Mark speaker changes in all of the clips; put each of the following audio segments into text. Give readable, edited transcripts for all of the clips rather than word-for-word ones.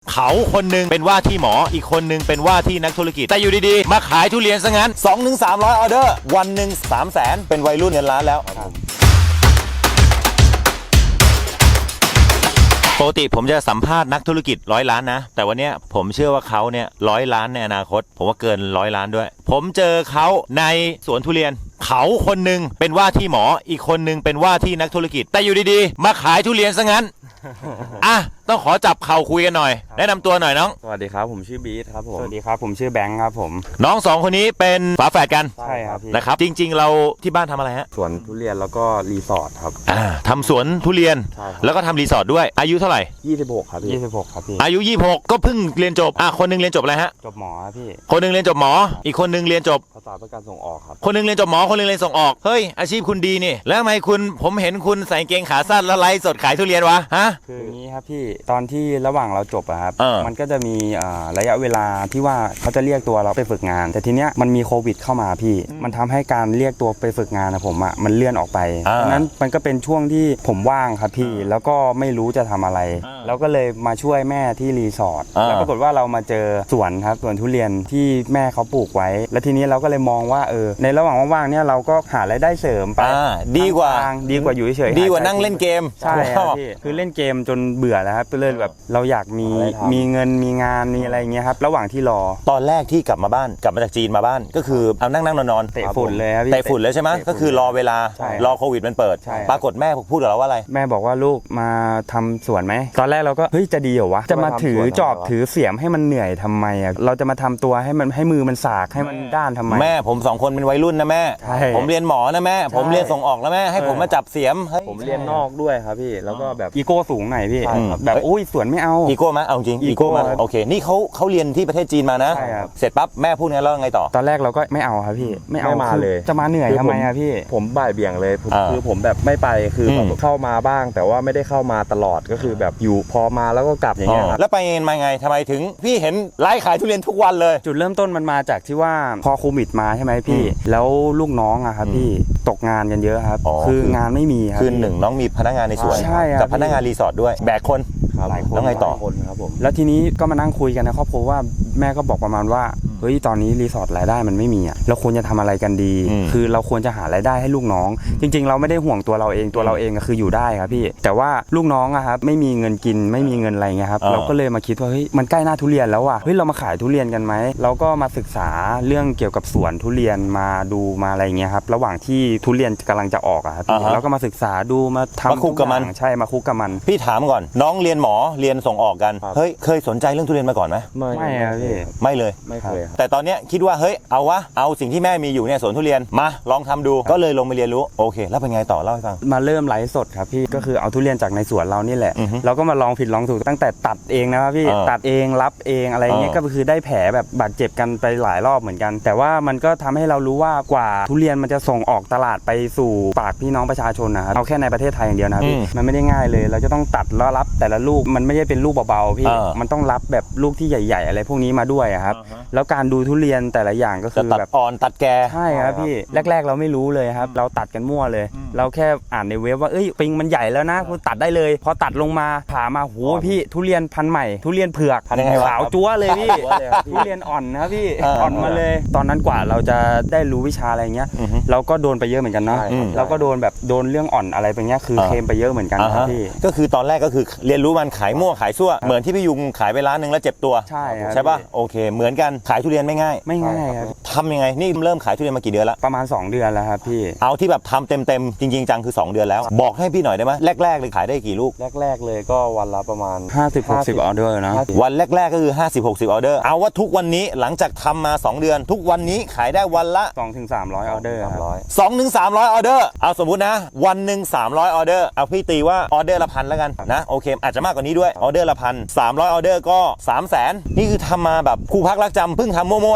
Speaker 1: เขาคนหนึ่งเป็นว่าที่หมออีกคนหนึ่งเป็นว่าที่นักธุรกิจแต่อยู่ดีๆมาขายทุเรียนซะงั้น 2-300 ออเดอร์วันหนึ่ง300,000เป็นวัยรุ่นเงินล้านแล้วปกติผมจะสัมภาษณ์นักธุรกิจ100 ล้านนะแต่วันนี้ผมเชื่อว่าเขาเนี่ย100 ล้านในอนาคตผมว่าเกิน100 ล้านด้วยผมเจอเขาในสวนทุเรียนเขาคนหนึ่งเป็นว่าที่หมออีกคนหนึ่งเป็นว่าที่นักธุรกิจแต่อยู่ดีๆมาขายทุเรียนซะงั้น อ่ะต้องขอจับเข่าคุยกันหน่อยแนะนำตัวหน่อยน้อง
Speaker 2: สวัสดีครับผมชื่อบีทครับผมสวัสดีครับผมชื่อแบงค์ครับผม
Speaker 1: น้องสองคนนี้เป็นฝาแฝดกัน
Speaker 2: ใช่ครับพี่
Speaker 1: นะครับจริงๆเราที่บ้านทำอะไรฮะ
Speaker 2: สวนทุเรียนแล้วก็รีสอร์ทครับ
Speaker 1: ทำสวนทุเรียนแล้วก็ทำรีสอร์ทด้วยอายุเท่าไหร่
Speaker 2: 26ครับพี่26ครับพี่
Speaker 1: อายุ26ก็เพิ่งเรียนจบคนนึงเรียนจบอะไรฮะ
Speaker 2: จบหมอครับพี่
Speaker 1: คนนึงเรียนจบหมออีกคนนึงเรียนจบ
Speaker 2: ภาษาเพื่อการส่งออกครับ
Speaker 1: คนนึงเรียนจบหมอคนนึงเรียนส่งออกเฮ้ยอาชีพคุณดีนี่แล้วทำไมคุณผมเห็นคุณใส่เกงขาสั้นแล้วไลฟ์สดขายทุเรียนวะฮะ
Speaker 2: คืออย่างนี้ครับพี่ตอนที่ระหว่างเราจบอะครับมันก็จะมีระยะเวลาที่ว่าเขาจะเรียกตัวเราไปฝึกงานแต่ทีเนี้ยมันมีโควิดเข้ามาพี่มันทำให้การเรียกตัวไปฝึกงานนะผมอะมันเลื่อนออกไปดังนั้นมันก็เป็นช่วงที่ผมว่างครับพี่แล้วก็ไม่รู้จะทำอะไรแล้วก็เลยมาช่วยแม่ที่รีสอร์ทแล้วปรากฏว่าเรามาเจอสวนครับสวนทุเรียนที่แม่เขาปลูกไว้แล้วทีนี้เราก็เลยมองว่าในระหว่างว่างๆเนี่ยเราก็หารายได้เสริมไป
Speaker 1: ดีกว่า
Speaker 2: อยู่เฉย
Speaker 1: ดีกว่านั่งเล่นเกม
Speaker 2: ใช่ครับพี่คือเล่นเกมจนเบื่อแล้วครับเลยแบบเราอยากมีเงินมีงานมีอะไรเงี้ยครับระหว่างที่รอ
Speaker 1: ตอนแรกที่กลับมาจากจีนมาบ้านก็คือเอานั่งนอน
Speaker 2: เตะฝุ่นเลยครับพี่
Speaker 1: เตะฝุ่นเลยใช่ไหมก็คือรอเวลารอโควิดมันเปิดปรากฏแม่พูดกับเราว่าอะไร
Speaker 2: แม่บอกว่าลูกมาทำสวนไหมตอนแรกเราก็เฮ้ยจะดีเหรอวะจะมาถือจอบถือเสียมให้มันเหนื่อยทำไมอ่ะเราจะมาทำตัวให้มือมันสากให้มันด้านทำไม
Speaker 1: แม่ผม2 คนเป็นวัยรุ่นนะแม่ผมเรียนหมอนะแม่ผมเรียนส่งออกแล้วแม่ให้ผมมาจับเสียม
Speaker 2: ผมเรียนนอกด้วยครับพี่แล้วก็แบบอีโก้สูงหน่อยพี่แบบอุ้ยสวนไม่เอา
Speaker 1: อีโก้ไหมเอาจริงอีโก้มาโอเคนี่เขาเรียนที่ประเทศจีนมานะเสร็จปั๊บแม่พูดงั้นแล้วไงต่อ
Speaker 2: ตอนแรกเราก็ไม่เอาครับพี่ไม่เอามาเลยจะมาเหนื่อยทำไมอะพี่
Speaker 3: ผมบ่ายเบี่ยงเลยคือผมแบบไม่ไปคือเข้ามาบ้างแต่ว่าไม่ได้เข้ามาตลอดก็คือแบบอยู่พอมาแล้วก็กลับอย่างเงี้ย
Speaker 1: แล้วไปมาไงทำไมถึงพี่เห็นไลฟ์ขายทุเรียนทุกวันเลย
Speaker 2: จุดเริ่มต้นมันมาจากที่ว่าพอโควิดมาใช่ไหมพี่แล้วลูกน้องอะครับพี่ตกงานกันเยอะครับคืองานไม่มีครับ
Speaker 1: คือหนึ่งน้องมีพนักงานในสวนกับพนักงานรีสอร์ทด้วยแบกคนแล้วไงต่อ
Speaker 2: ครับผมแล้วทีนี้ก็มานั่งคุยกันในครอบครัวว่าแม่ก็บอกประมาณว่าเฮ้ยตอนนี้รีสอร์ทรายได้มันไม่มีอ่ะเราควรจะทำอะไรกันดีคือเราควรจะหารายได้ให้ลูกน้องจริงๆเราไม่ได้ห่วงตัวเราเองก็คืออยู่ได้ครับพี่แต่ว่าลูกน้องอะครับไม่มีเงินกินไม่มีเงินอะไรเงี้ยครับเราก็เลยมาคิดว่าเฮ้ยมันใกล้หน้าทุเรียนแล้วว่ะเฮ้ยเรามาขายทุเรียนกันไหมเราก็มาศึกษาเรื่องเกี่ยวกับสวนทุเรียนมาดูมาอะไรเงี้ยครับระหว่างที่ทุเรียนกำลังจะออกอะครับเราก็มาศึกษาดูมาทำ
Speaker 1: มาคุกกับมัน
Speaker 2: ใช่มาคุกกับมัน
Speaker 1: พี่ถามก่อนน้องเรียนหมอเรียนส่งออกกันเฮ้ยเคยสนใจเรื่องทุเรียนมาก่อนไหม
Speaker 2: ไม่ครับพี่
Speaker 1: ไม่เลย
Speaker 3: ไม่เคย
Speaker 1: แต่ตอนเนี้ยคิดว่าเฮ้ยเอาสิ่งที่แม่มีอยู่เนี่ยสวนทุเรียนมาลองทำดูก็เลยลงไปเรียนรู้โอเคแล้วเป็นไงต่อเล่าให้ฟัง
Speaker 2: มาเริ่มไลฟ์สดครับพี่ก็คือเอาทุเรียนจากในสวนเรานี่แหละเราก็มาลองผิดลองถูกตั้งแต่ตัดเองนะครับพี่ตัดเองรับเองอะไรเงี้ยก็คือได้แผลแบบบาดเจ็บกันไปหลายรอบเหมือนกันแต่ว่ามันก็ทำให้เรารู้ว่ากว่าทุเรียนมันจะส่งออกตลาดไปสู่ปากพี่น้องประชาชนนะครับเอาแค่ในประเทศไทยอย่างเดียวนะพี่มันไม่ได้ง่ายเลยเราจะต้องตัดแล้วรับแต่ละลูกมันไม่ใช่เป็นลูกเบาๆพี่มันต้องรับแบบลูกที่ใหญ่ๆอะไรพวกนี้มาด้วยครับแล้วการดูทุเรียนแต่ละอย่างก็คือ
Speaker 1: แบบอ่อนตัดแก่
Speaker 2: ใช่ครับพี่แรกๆเราไม่รู้เลยครับเราตัดกันมั่วเลยเราแค่อ่านในเว็บว่าปิงมันใหญ่แล้วนะคุณตัดได้เลยพอตัดลงมาผ่ามาโหพี่ทุเรียนพันธุ์ใหม่ทุเรียนเผือกขาวจั๊วเลยพี่ทุเรียนอ่อนนะพี่อ่อนมาเลยตอนนั้นกว่าเราจะได้รู้วิชาอะไรเงี้ยเราก็โดนไปเยอะเหมือนกันนะเราก็โดนแบบโดนเรื่องอ่อนอะไรไปเงี้ยคือเคลมไปเยอะเหมือนกันครับพี่
Speaker 1: ก็คือตอนแรกก็คือเรียนรู้มันขายมั่วขายซั่วเหมือนที่พี่ยุงขายไปร้านนึงแล้วเจ็บตัวใช่ป่ะโอเคเหมือนกันขายทุเรียนไม่ง่าย
Speaker 2: ครับ
Speaker 1: ทำยังไงนี่เริ่มขายทุเรียนมากี่เดือนแล้ว
Speaker 2: ประมาณ2 เดือนแล้วครับพี่
Speaker 1: เอาที่แบบทำเต็มจริงๆจังคือ2 เดือนแล้วบอกให้พี่หน่อยได้ไหมแรกๆเลยขายได้กี่ลูก
Speaker 3: แรกเลยก็วันละประมาณ
Speaker 2: 50-60 ออเดอร์นะ
Speaker 1: วันแรกๆก็คือ50-60 ออเดอร์เอาว่าทุกวันนี้หลังจากทำมา2 เดือนทุกวันนี้ขายได้วันละ
Speaker 2: 200-300 ออเดอร์
Speaker 1: 200-300 ออเดอร์เอาสมมุตินะวันหนึ่ง300 ออเดอร์เอาพี่ตีว่าออเดอร์ละ1,000แล้วกันนะโอเคอาจจะมากกว่านี้ด้วยออเดอร์ละ1,000 300 ออเดอร์ก็300,000นี่คือทำมาแบบครูพักรักจำเพิ่งทำมั่ว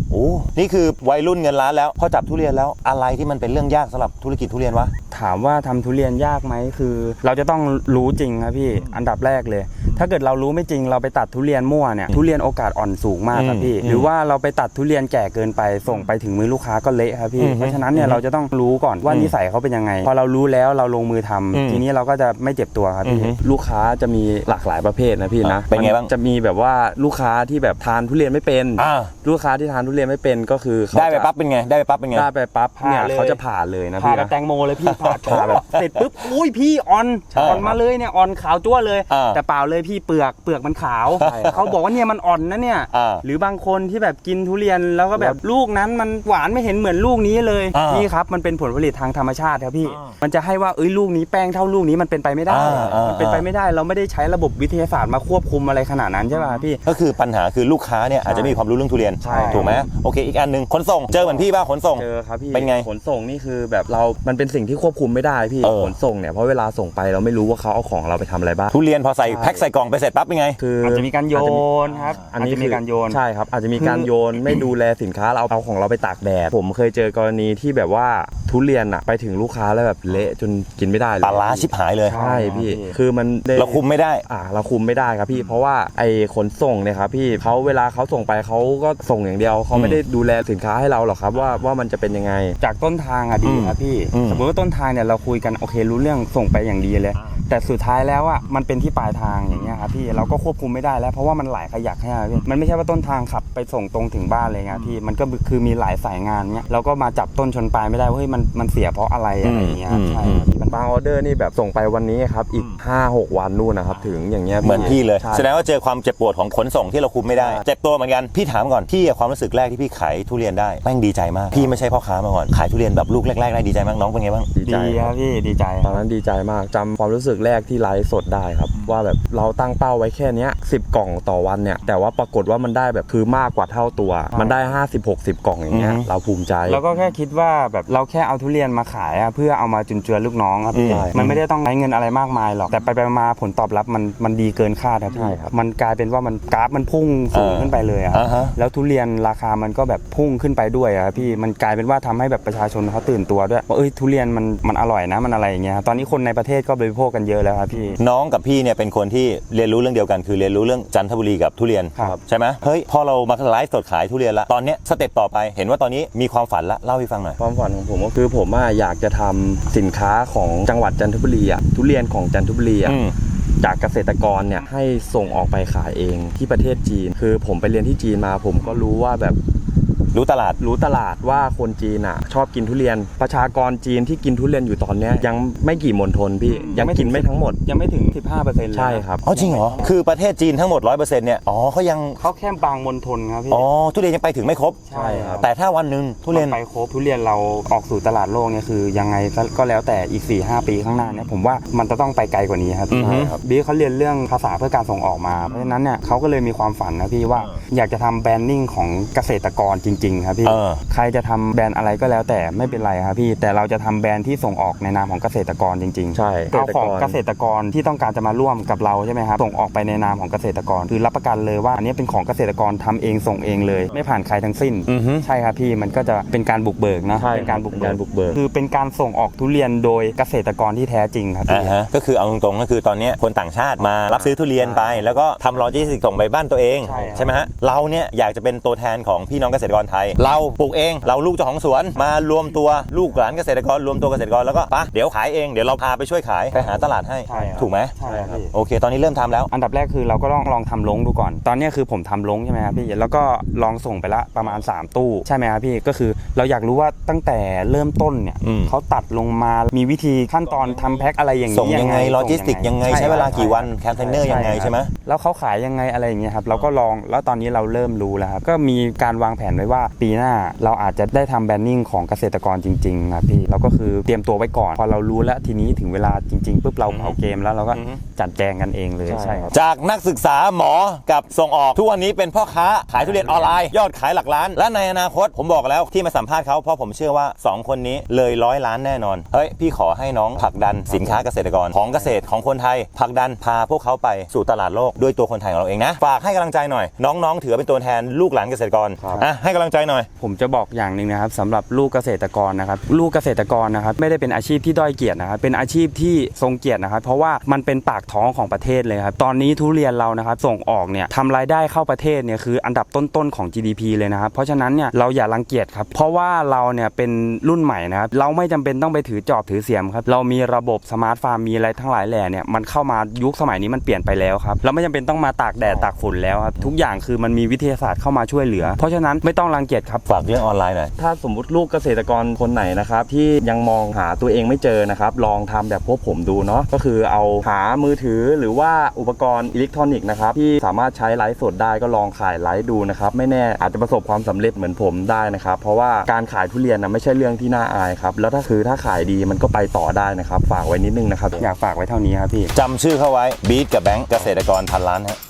Speaker 1: โอ้นี่คือวัยรุ่นเงินล้านแล้วพอจับทุเรียนแล้วอะไรที่มันเป็นเรื่องยากสำหรับธุรกิจทุเรียนวะ
Speaker 2: ถามว่าทำทุเรียนยากไหมคือ เราจะต้องรู้จริงครับพี่อันดับแรกเลย ถ้าเกิดเรารู้ไม่จริงเราไปตัดทุเรียนมั่วเนี่ยทุเรียนโอกาสอ่อนสูงมากครับพี่หรือว่าเราไปตัดทุเรียนแก่เกินไปส่งไปถึงมือลูกค้าก็เละครับพี่เพราะฉะนั้นเนี่ยเราจะต้องรู้ก่อนว่านิสัยเขาเป็นยังไงพอเรารู้แล้วเราลงมือทำทีนี้เราก็จะไม่เจ็บตัวครับพี่
Speaker 3: ลูกค้าจะมีหลากหลายประเภทนะพี่นะ
Speaker 1: เป็นไงบ้าง
Speaker 3: จะมีแบบว่าลูกค้าที่แบบทานทุเรียนไม่เป็นลูกค้าที่ทานทุเรียนไม่เป็นก็คือ
Speaker 1: ได้ไปปั๊บเป็นไงได้ไปปั๊บเป็นไง
Speaker 3: ได้ไปปั๊บเนี่ยเขาจะผ่าเลยนะพี่
Speaker 2: ผ่าแบบแตงโมเลยพี่ผ่าแบบเสร็จปุ๊บอุ้ยพี่อ่อนมาเลยเนี่ยอ่อนขาวจั่วเลยแต่เปล่าเลยพี่เปลือกมันขาวเขาบอกว่าเนี่ยมันอ่อนนะเนี่ยหรือบางคนที่แบบกินทุเรียนแล้วก็แบบลูกนั้นมันหวานไม่เห็นเหมือนลูกนี้เลยนี่ครับมันเป็นผลผลิตทางธรรมชาติครับพี่มันจะให้ว่าลูกนี้แป้งเท่าลูกนี้มันเป็นไปไม่ได้มันเป็นไปไม่ได้เราไม่ได้ใช้ระบบวิทยาศาสตร์มาควบคุมอะไรขนาดนั้นใช่ป่ะพี่
Speaker 1: ก็คือปัญหาคือลูกค้าเนี่ยอาจจะมีความรู้เรื่องทุเรียนถูกไหมโอเคอีกอันนึงขนส่งเจอเหมือนพี่ป่ะขนส่ง
Speaker 3: เจอครับพี่
Speaker 1: เป็นไง
Speaker 3: ขนส่งนี่คือแบบมันเป็นสิ่งที่ควบคุมไม่ได้พี่ขนส่งเนี่ยเพราะเวลาส่งไปเราไม่รู้ว่าเขาเอาของเราไปทำอะไรบ้าง
Speaker 1: ทุเรียนพอใส่แพ็คใส่กล่องไปเสร็จปั๊บเป็นไง
Speaker 3: คือ
Speaker 2: อาจจะมีการโยนครับ
Speaker 3: อันนี้มีการโยนใช่ครับอาจจะมีการโยนไม่ดูแลสินค้าเราเอาของเราไปตากแดดผมเคยเจอกรณีที่แบบว่าทุเรียนอะไปถึงลูกค้าแล้วแบบเละจนกินไม่ได้เลย
Speaker 1: ปลาร้าชิบหายเลย
Speaker 3: ใช่พี่คือมัน
Speaker 1: เราคุมไม่ได้
Speaker 3: เราคุมไม่ได้ครับพี่เพราะว่าไอ้ขนส่งเนี่ยครับพี่เขาเวลาเขาส่งไปเขาก็ส่งอย่างเดียวเขาไม่ได้ดูแลสินค้าให้เราหรอกครับว่ามันจะเป็นยังไง
Speaker 2: จากต้นทางดีครับพี่สมมติว่าต้นทางเนี่ยเราคุยกันโอเครู้เรื่องส่งไปอย่างดีเลยแต่สุดท้ายแล้วอ่ะมันเป็นที่ปลายทางอย่างเงี้ยครับพี่เราก็ควบคุมไม่ได้แล้วเพราะว่ามันหลายขยักให้พี่มันไม่ใช่ว่าต้นทางขับไปส่งตรงถึงบ้านเลยไงพี่มันก็คือมีหลายสายงานเงี้ยเราก็มาจับต้นชนปลายไม่ได้ว่าเฮ้ยมันเสียเพราะอะไรอะไรเงี้ยใช่
Speaker 3: บางออเดอร์นี่แบบส่งไปวันนี้ครับอีก 5-6 วันนู่นนะครับถึงอย่างเงี้ย
Speaker 1: เหมือนพี่เลยแสดงว่าเจอความเจ็บปวดของขนส่งที่เราคุมไม่ได้เจ็บตัวเหมือนกันพี่ถามก่อนพี่ความรู้สึกแรกที่พี่ขายทุเรียนได้แม่งดีใจมากพี่ไม่ใช่พ่อค้ามาก่อนขายทุเรียนแบบลูกแรกๆได้ดีใจมากน้องเป็นไงบ้าง
Speaker 2: ดีครับพี่ดีใจ
Speaker 3: ตอนนั้นดีใจมากจำความรู้สึกแรกที่ไลฟ์สดได้ครับว่าแบบเราตั้งเป้าไว้แค่นี้10 กล่องต่อวันเนี่ยแต่ว่าปรากฏว่ามันได้แบบคือมากกว่าเท่าตัวมันได้50-60 กล่องอย่างเงี้ยเราภูมิใจ
Speaker 2: แล้วก็แค่คิดว่าแบบเราแค่เอาทุเรียนมาขายเพื่อเอามาจุนเจือลูกน้องครับพี่มันไม่ได้ต้องใช้เงินอะไรมากมายหรอกแต่ไปมาผลตอบรับมันดีเกินคาดครับพี่มันกลายเป็นว่ามันกราฟมันพุ่งสูงขึ้นไปเลยแล้วทุเรียนราคามันก็แบบพุ่งขึ้นไปด้วยครับพี่มันกลายเป็นว่าทำให้แบบประชาชนเขาตื่นตัวด้วยว่าทุเรียนมันอร่อยนะมันอะไรอย่างเงี้ยตอนนี้คนในประเทศก็บริโภคกันเยอะแล้วครับพี่
Speaker 1: น้องกับพี่เนี่ยเป็นคนที่เรียนรู้เรื่องเดียวกันคือเรียนรู้เรื่องจันทบุรีกับทุเรียนใช่ไหมเฮ้ยพอเรามาไลฟ์สดขายทุเรียนละตอนนี้สเต็ปต่อไปเห็นว่าตอนนี้มีความฝันละเล่าให้ฟังหน่อย
Speaker 3: ความฝันของผมก็คือผมอยากจะทำสินค้าของจังหวัดจันทบุรีทุเรียนของจันทบุรีจากเกษตรกรเนี่ยให้ส่งออกไปขายเองที่ประเทศจีนคือผมไปเรียนที่จีนมาผมก็รู้ว่าแบบ
Speaker 1: รู้ตลาด
Speaker 3: ว่าคนจีนชอบกินทุเรียนประชากรจีนที่กินทุเรียนอยู่ตอนนี้ยังไม่กี่มณฑลพี่ยังกินไม่ทั้งหมด
Speaker 2: ยังไม่ถึง 15%
Speaker 3: ใช่ครับ
Speaker 1: จริงเหรอคือประเทศจีนทั้งหมด 100% เนี่ยเขา
Speaker 2: แค่บางมณฑลครับพี่
Speaker 1: ทุเรียนยังไปถึงไม่ครบ
Speaker 2: ใช่ครับ
Speaker 1: แต่ถ้าวันนึงทุเรียน
Speaker 2: ไปครบทุเรียนเราออกสู่ตลาดโลกเนี่ยคือยังไงก็แล้วแต่อีก 4-5 ปีข้างหน้าเนี่ยผมว่ามันจะต้องไปไกลกว่านี้ครับพี่เขาเรียนเรื่องภาษาเพื่อการส่งออกมาเพราะฉะนั้นเนี่ยเขาก็เลยมีความฝันนะพี่ว่าอยากจะทำแบรนดิ้งของเกษตรกรจริงๆครับพี่ใครจะทำแบรนด์อะไรก็แล้วแต่ไม่เป็นไรครับพี่แต่เราจะทำแบรนด์ที่ส่งออกในนามของเกษตรกรจริงๆ
Speaker 3: ใช่
Speaker 2: เอาของเกษตรกรที่ต้องการจะมาร่วมกับเราใช่ไหมครับส่งออกไปในนามของเกษตรกรคือรับประกันเลยว่าอันนี้เป็นของเกษตรกรทำเองส่งเองเลยไม่ผ่านใครทั้งสิ้นใช่ครับพี่มันก็จะเป็นการบุกเบิกนะเป็นการบุกเบิกคือเป็นการส่งออกทุเรียนโดยเกษตรกรที่แท้จริงครับพี่
Speaker 1: ก็คือเอาตรงๆก็คือตอนนี้คนต่างชาติมารับซื้อทุเรียนไปแล้วก็ทำโลจิสติกส่งไปบ้านตัวเองใช่ไหมฮะเราเนี่ยอยากจะเป็นตัวแทนของพี่น้องเกษตรกรไทยเราปลูกเองเราลูกเจ้าของสวนมารวมตัวลูกหลานเกษตรกรรวมตัวเกษตรกรแล้วก็เดี๋ยวขายเองเดี๋ยวเราพาไปช่วยขายไปหาตลาดให้ถูกไหม
Speaker 2: ใช่ครับ
Speaker 1: โอเคตอนนี้เริ่มทำแล้ว
Speaker 2: อันดับแรกคือเราก็ลองทำลงดูก่อนตอนนี้คือผมทำลงใช่ไหมครับพี่แล้วก็ลองส่งไปละประมาณ3ตู้ใช่ไหมครับพี่ก็คือเราอยากรู้ว่าตั้งแต่เริ่มต้นเนี่ยเขาตัดลงมามีวิธีขั้นตอนทำแพ็คอะไรอย่างนี้
Speaker 1: ส่งยังไงโลจิสติกยังไงใช้เวลากี่วันแคมเปญเนอร์ยังไงใช่ไหม
Speaker 2: แล้วเขาขายยังไงอะไรอย่างเงี้ยครับเราก็ลองแล้วตอนนี้เราเริ่มรู้แล้วครับก็มีการวางแผนไว้ว่าปีหน้าเราอาจจะได้ทำแบรนดิ้งของเกษตรกรจริงๆครับพี่เราก็คือเตรียมตัวไว้ก่อนพอเรารู้แล้วทีนี้ถึงเวลาจริงๆปุ๊บเราเผาเกมแล้วเราก็จัดแจงกันเองเลยใช่ครับ
Speaker 1: จากนักศึกษาหมอกับส่งออกทุกวันนี้เป็นพ่อค้าขายทุเรียนออนไลน์ยอดขายหลักล้านและในอนาคตผมบอกแล้วที่มาสัมภาษณ์เขาเพราะผมเชื่อว่า2คนนี้เลย100 ล้านแน่นอนเฮ้ยพี่ขอให้น้องผลักดันสินค้าเกษตรกรของเกษตรของคนไทยผลักดันพาพวกเขาไปสู่ตลาดโลกด้วยตัวคนไทยของเราเองนะฝากให้กำลังใจหน่อยน้องๆถือเป็นตัวแทนลูกหลานเกษตรกรให้กำลังใจหน่อย
Speaker 2: ผมจะบอกอย่างหนึ่งนะครับสำหรับลูกเกษตรกรนะครับลูกเกษตรกรนะครับไม่ได้เป็นอาชีพที่ด้อยเกียรตินะครับเป็นอาชีพที่ทรงเกียรตินะครับเพราะว่ามันเป็นปากท้องของประเทศเลยครับตอนนี้ทุเรียนเรานะครับส่งออกเนี่ยทำรายได้เข้าประเทศเนี่ยคืออันดับต้นๆของ GDP เลยนะครับเพราะฉะนั้นเนี่ยเราอย่ารังเกียจครับเพราะว่าเราเนี่ยเป็นรุ่นใหม่นะครับเราไม่จำเป็นต้องไปถือจอบถือเสียมครับเรามีระบบสมาร์ทฟาร์มมีอะไรทั้งหลายแหล่เนี่ยมันเข้ามายุคสมัยนี้มันเปลี่ยนไปแล้วครับเราไม่จำเป็นต้องมาตากแดดตากฝนแล้วครับทุกอย่างคือมันมีวิทยาศาสตร์เข้ามาช่วยเหลือเพราะฉะนั้นไม่ต้องรังเกียจครับ
Speaker 1: ฝากเรื่องออนไลน์หน่อย
Speaker 3: ถ้าสมมุติลูกเกษตรกรคนไหนนะครับที่ยังมองหาตัวเองไม่เจอนะครับลองทำแบบพวกผมดูเนาะก็คือเอาหามือถือหรือว่าอุปกรณ์อิเล็กทรอนิกส์นะครับที่สามารถใช้ไลฟ์สดได้ก็ลองขายไลฟ์ดูนะครับไม่แน่อาจจะประสบความสำเร็จเหมือนผมได้นะครับเพราะว่าการขายทุเรียนนะไม่ใช่เรื่องที่น่าอายครับแล้วถ้าขายดีมันก็ไปต่อได้นะครับฝากไว้นิดนึงนะครับ
Speaker 2: อยากฝากไว้เท่านี้ครับพี่
Speaker 1: จำชื่อเข้าไว้บีทกับแบงค์เกษตรกรพันล้านฮะ